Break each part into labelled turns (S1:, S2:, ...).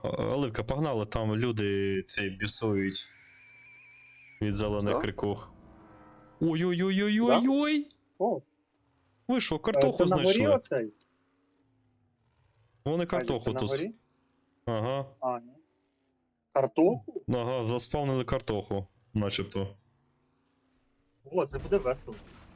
S1: Оливка, погнали, там люди цей бісують від зелених
S2: Що?
S1: крикух.
S3: Да?
S1: Ой-ой-ой-ой-ой-ой!
S3: О,
S1: Ви що,
S3: це
S1: картоху
S3: на горі
S1: знайшли?
S3: оцей?
S1: Вони
S3: Айзек,
S1: картоху
S3: це на
S1: тут.
S3: горі?
S1: Ага.
S3: А, ні. Картоху?
S1: Ага, заспавнили картоху, начебто.
S3: О, це буде весело.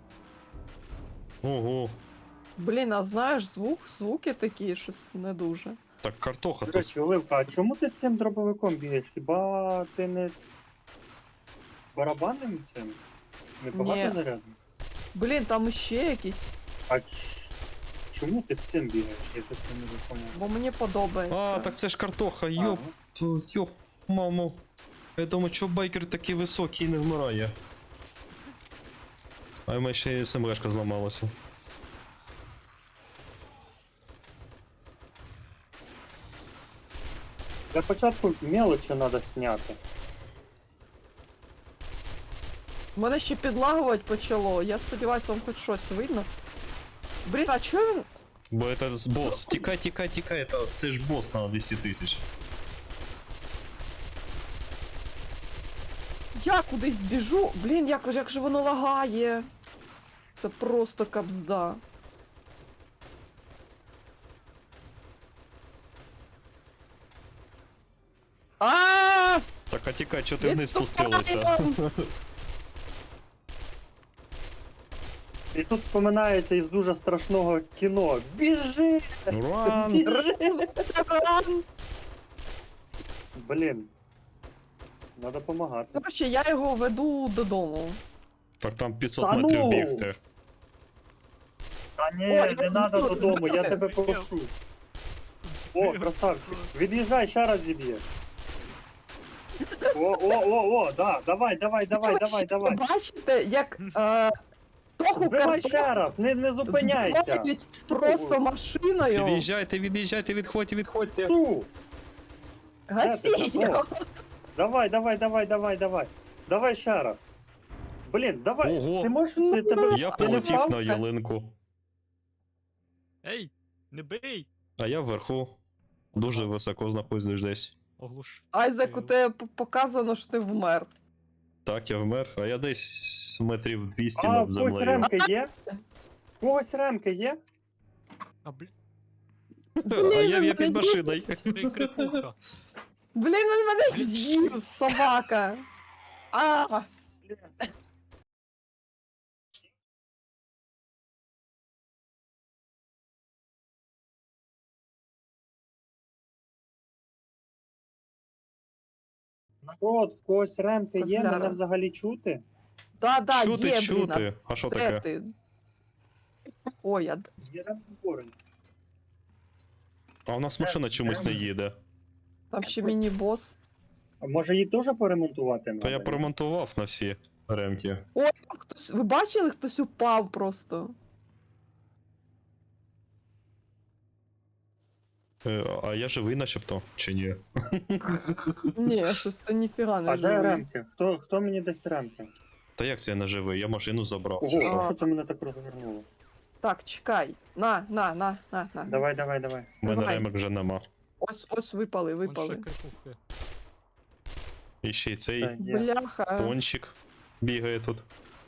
S1: Ого.
S2: Блін, а знаєш, звуки такі, щось не дуже.
S1: Так картоха
S3: До
S1: тут.
S3: речі, Оливка, а чому ти з цим дробовиком бігаєш? Хіба ти не з барабанним цим? Не
S2: Ні.
S3: багато зарядно?
S2: Блін, там іще якісь,
S3: А чому ти з цим бігаєш? Я щось не можу поняти.
S2: бо мені подобається.
S1: А, так це ж картоха, йоп,
S3: Ага.
S1: йоп, мамо. Я думаю, чого байкер такий високий і не вмирає. А в мене ще і СМГшка зламалася.
S3: Для початку мелочі треба зняти.
S2: Мене ще підлагувати почало. Я сподіваюся, вам хоч щось видно. Блін, а чого він.
S1: Бо це босс. Тікай, тікай, тікай, це ж босс на 200 тисяч.
S2: Я кудись біжу? Блін, як же воно лагає. Це просто кабзда. А!
S1: Так, а тікай, чого ти вниз спустилася?
S3: І тут споминається із дуже страшного кіно. Біжи!
S1: Ран!
S3: Біжи!
S2: Це ран!
S3: Блін. Треба допомагати.
S2: Коротше, я його веду додому.
S1: Так там 500
S3: Та ну!
S1: метрів бігти.
S3: Та ні,
S2: Ой,
S3: не
S2: я
S3: треба
S2: збив,
S3: додому, я
S2: збив.
S3: тебе прошу. О, красавчик. Від'їжджай, ще раз зіб'єш. О, да, давай.
S2: Ви бачите, як Тоху
S3: Збивай ще раз, не зупиняйся.
S2: збивають просто машиною.
S1: Від'їжджайте, відходьте.
S3: Ту.
S2: Гасіть
S3: Де ти там?
S2: його.
S3: Давай. Давай ще раз. Блін, давай.
S1: Ого.
S3: Ти можеш, ти тебе...
S1: Я
S3: ти не
S1: полетів
S3: впав?
S1: на ялинку.
S4: Ей, не бий!
S1: А я вверху. Дуже високо знаходжусь десь.
S4: Оглуш.
S2: Айзек, у тебе показано, що ти вмер.
S1: Так, я вмер, а я десь метрів 200
S3: А,
S1: над
S3: когось
S1: землею.
S3: ремки є? Когось ремки є?
S4: А блін,
S1: А я
S2: мене
S1: під машиною.
S4: крикуха.
S2: Блін, він мене з'їв, собака. А,
S3: Народ, в когось ремки є,
S2: Козляра.
S3: мене взагалі чути?
S2: да,
S1: Чути,
S2: є, блін,
S1: чути. А що
S2: а де
S1: таке?
S2: ти? Ой,
S3: Є ремки поруч.
S1: А у нас машина чомусь не їде.
S2: там ще міні-бос.
S3: А може її теж поремонтувати?
S1: Та я
S3: надо?
S1: поремонтував на всі ремки.
S2: Ой, там хтось, ви бачили, хтось упав просто.
S1: А я живий начебто, чи ні?
S2: Ні, щось це ніфіга не
S3: А де
S2: живий.
S3: ремки? Хто мені дасть ремки?
S1: Та як це я не живий? Я машину забрав.
S3: Ого,
S1: чи
S3: а
S1: що?
S3: що це мене так розвернуло?
S2: Так, чекай. На.
S3: Давай.
S1: У мене
S2: давай.
S1: ремок вже нема.
S2: Ось випали.
S4: Вон ще крикухи.
S1: І ще й цей
S3: Так, є.
S2: Бляха.
S1: пончик бігає тут.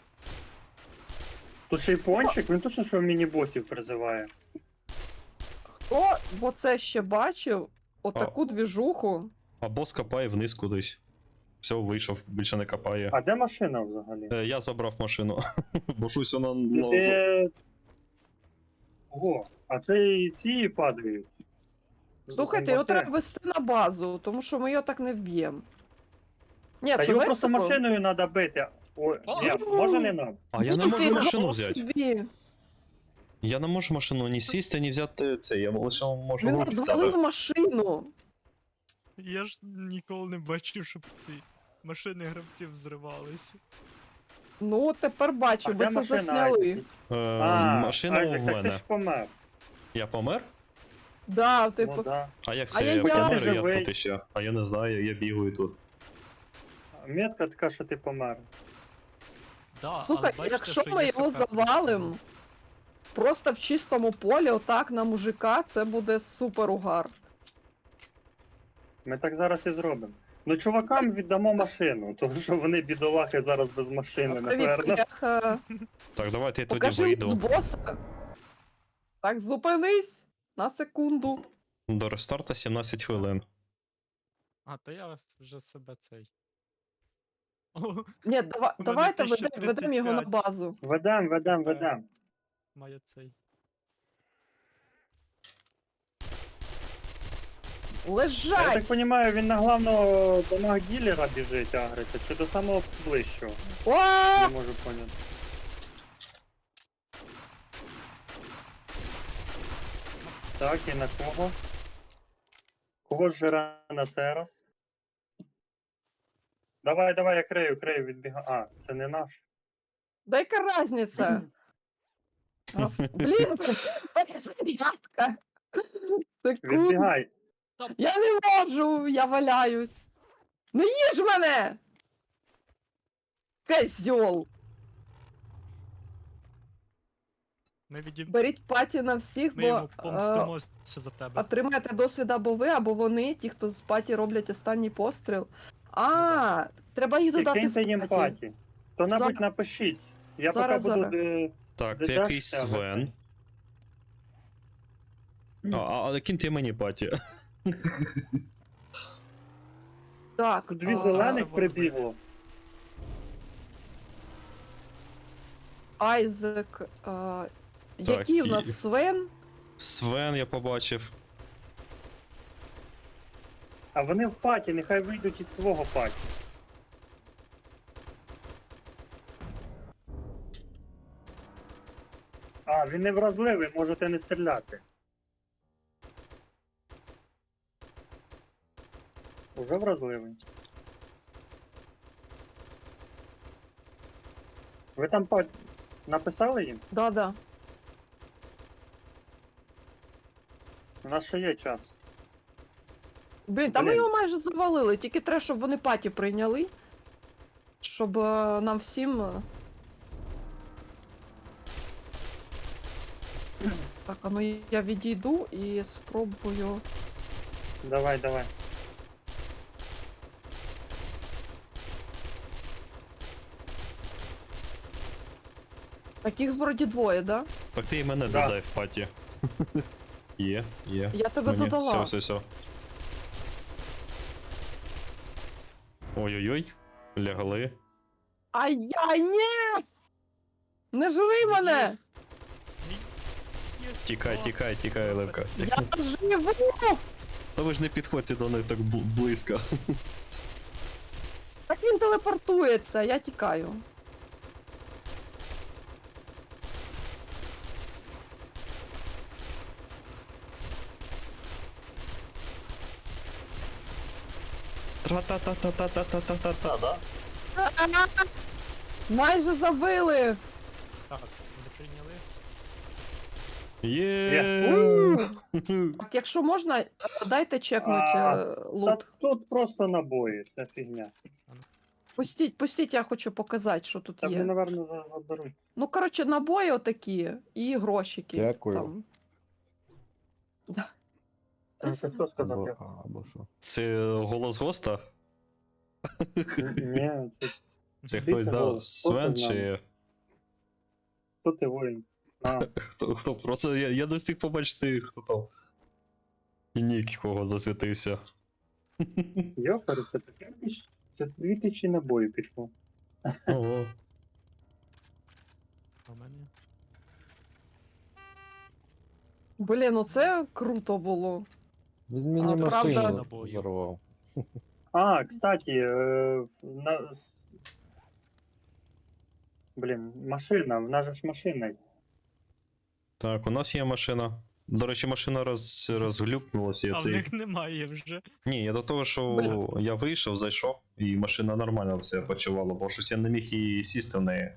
S3: Тут ще й пончик, він точно що міні-босів призиває.
S2: Хто бо це ще бачив? Отаку двіжуху.
S1: А бос копає вниз кудись. Все, вийшов, більше не копає.
S3: А де машина взагалі?
S1: Я забрав машину. Бо щось вона.
S3: Ти... Ого, а це і ці падають.
S2: Слухайте, його
S3: Зомбаки.
S2: треба вести на базу, тому що ми його так не вб'ємо. Ні,
S3: Та
S2: це
S3: його просто
S2: весело.
S3: машиною треба бити. Ой, ні, може не треба.
S1: А я не можу
S2: Ніфіга
S1: машину взяти.
S2: собі.
S1: Я не можу машину ні сісти, ні взяти це. Я лише можу
S2: Він
S1: руки
S2: розвалив
S1: себе.
S2: машину.
S4: Я ж ніколи не бачив, щоб ці машини гравців зривалися.
S2: Ну, тепер бачу,
S3: А
S2: бо
S3: де
S2: це
S3: машина?
S2: засняли.
S1: Машина
S3: Айзек,
S1: у
S3: так ти
S1: мене.
S3: ж помер.
S1: Я помер?
S2: Да, типу.
S3: Ну, да.
S1: А як
S2: А
S1: це
S2: я
S1: я помер,
S3: я.
S1: я тут іще. А я не знаю, я бігаю тут.
S3: Метка така, що ти помер.
S4: Да,
S2: Слухай,
S4: але бачите,
S2: якщо
S4: що
S2: ми
S4: є
S2: його
S4: ХП
S2: завалим просто в чистому полі, отак на мужика, це буде супер угар.
S3: Ми так зараз і зробимо. Ну, чувакам віддамо машину, тому що вони бідолахи зараз без машини,
S2: Привіт,
S3: напевно.
S2: Кляха.
S1: Так, давайте я тоді
S2: Покажи з
S1: вийду.
S2: боса. Так, зупинись на секунду.
S1: До рестарта 17 хвилин.
S4: А, то я вже себе цей. О,
S2: Ні, давайте
S4: 1035.
S2: ведемо його на базу.
S3: Ведем.
S4: має цей.
S3: Я
S2: Лежать!
S3: так розумію, він на главного дамаг ділера біжить агриться, чи до самого ближчого?
S2: О!
S3: Не можу поняти. Так, і на кого? Кого жира на цей раз? Давай, я крию, відбігаю. А, це не наш.
S2: Да яка разниця? Блін, перезарядка. Секунду.
S3: Відбігай.
S2: Я не можу, я валяюсь. Не їж мене! Козьол!
S4: Ми відім...
S2: Беріть паті на всіх,
S4: Ми
S2: бо
S4: йому помстимося за тебе.
S2: отримаєте досвід або ви, або вони, ті, хто з паті роблять останній постріл. А, треба їх
S3: І
S2: додати
S3: киньте їм
S2: в паті.
S3: паті. То-небудь
S2: Зараз.
S3: напишіть. Я
S2: Зараз,
S3: поки буду...
S2: зараз.
S1: Так, це
S3: Дедакція,
S1: якийсь Свен. Але киньте мені паті.
S2: Так,
S3: Дві
S2: а,
S3: зелених прибігло.
S2: Айзек. Який в
S1: і-
S2: нас Свен?
S1: Свен я побачив.
S3: А вони в паті, нехай вийдуть із свого паті. А, він не вразливий, можете не стріляти. Уже вразливий. Ви там написали їм?
S2: Да.
S3: У нас ще є час.
S2: Блін, та ми
S3: Блін.
S2: його майже завалили, тільки треба, щоб вони паті прийняли. Щоб нам всім. Так, а ну я відійду і спробую.
S3: Давай.
S2: Таких вроді двоє, да?
S1: Так ти і мене
S3: Да.
S1: додай в паті. Є.
S2: Я тебе
S1: Мені.
S2: додала.
S1: Все. Ой-ой-ой. Лягли.
S2: Ай-яй, ні! Не жри мене!
S1: Тікай, Левка.
S2: Я живу!
S1: Та ви ж не підходьте до них так близько.
S2: Так він телепортується, я тікаю.
S1: Тра-та-та-та-та-та-та-та-та, да?
S2: Майже забили!
S4: Так, не прийняли.
S1: Є.
S2: Так, якщо можна, дайте чекнуть
S3: Та
S2: лут.
S3: тут просто набої, це фігня.
S2: Пустіть, я хочу показати, що тут
S3: Та
S2: є.
S3: вони, напевно, заберуть.
S2: Ну, коротше, набої отакі і грошики.
S5: Дякую.
S2: Там. Да.
S3: Це хто сказав?
S5: Або,
S3: я?
S5: або що.
S1: Це голос госта?
S3: Ні, це
S1: Це
S3: Ти
S1: хтось
S3: це
S1: дав
S3: голос.
S1: Свен
S3: Хто це
S1: чи.
S3: хто ти воїн? А,
S1: Хто? Просто я не встиг побачити, хто там. І нік кого засвітився.
S3: йопереся, таке це 2000 набоїв пішло.
S1: Ого.
S4: А в мене.
S2: Блін, ну це круто було.
S5: Він мені
S2: правда-
S5: машину
S4: Набою.
S5: взорвав.
S3: А, кстати, Блін, машина, в нас же ж машина. є.
S1: Так, у нас є машина. До речі, машина розглюпнулася.
S4: А в них немає вже.
S1: Ні, я до того, що
S2: Бля.
S1: я вийшов, зайшов, і машина нормально все почувала, бо щось я не міг і сісти в неї.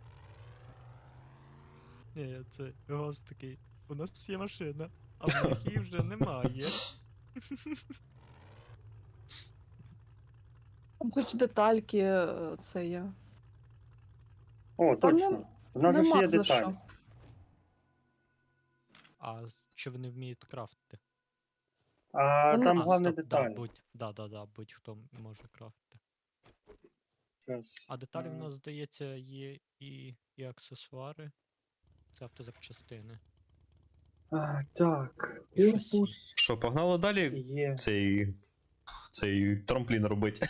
S4: Ні, це гост такий. У нас є машина, а в них її вже немає.
S2: Там хоч детальки це є.
S3: О,
S2: Та
S3: точно. В нас же ж
S2: Нема
S3: є
S2: за
S3: деталі.
S2: що.
S4: А чи вони вміють крафтити?
S3: А
S2: Ну,
S3: там
S4: А,
S3: головне
S4: стоп, да,
S3: деталь.
S4: будь-хто може крафтити.
S3: Щас.
S4: А деталі в
S3: Е,
S4: нас, здається, є і аксесуари. Це автозапчастини.
S3: Так,
S4: І шасі.
S3: корпус
S1: Що, погнали далі
S3: є.
S1: цей трамплін робити?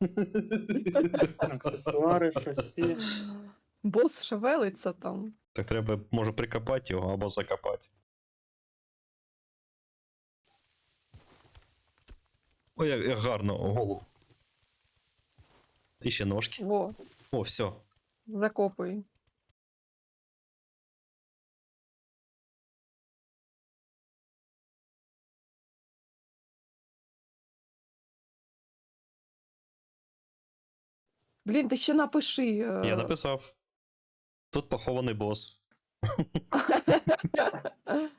S3: Аксесуари, шасі.
S2: Бос шевелиться там.
S1: Так треба, може, прикопати його або закопати. Ой, як гарно, голову. І ще ножки.
S2: Во,
S1: О, все.
S2: закопуй. Блін, ти ще напиши.
S1: Я написав. Тут похований бос.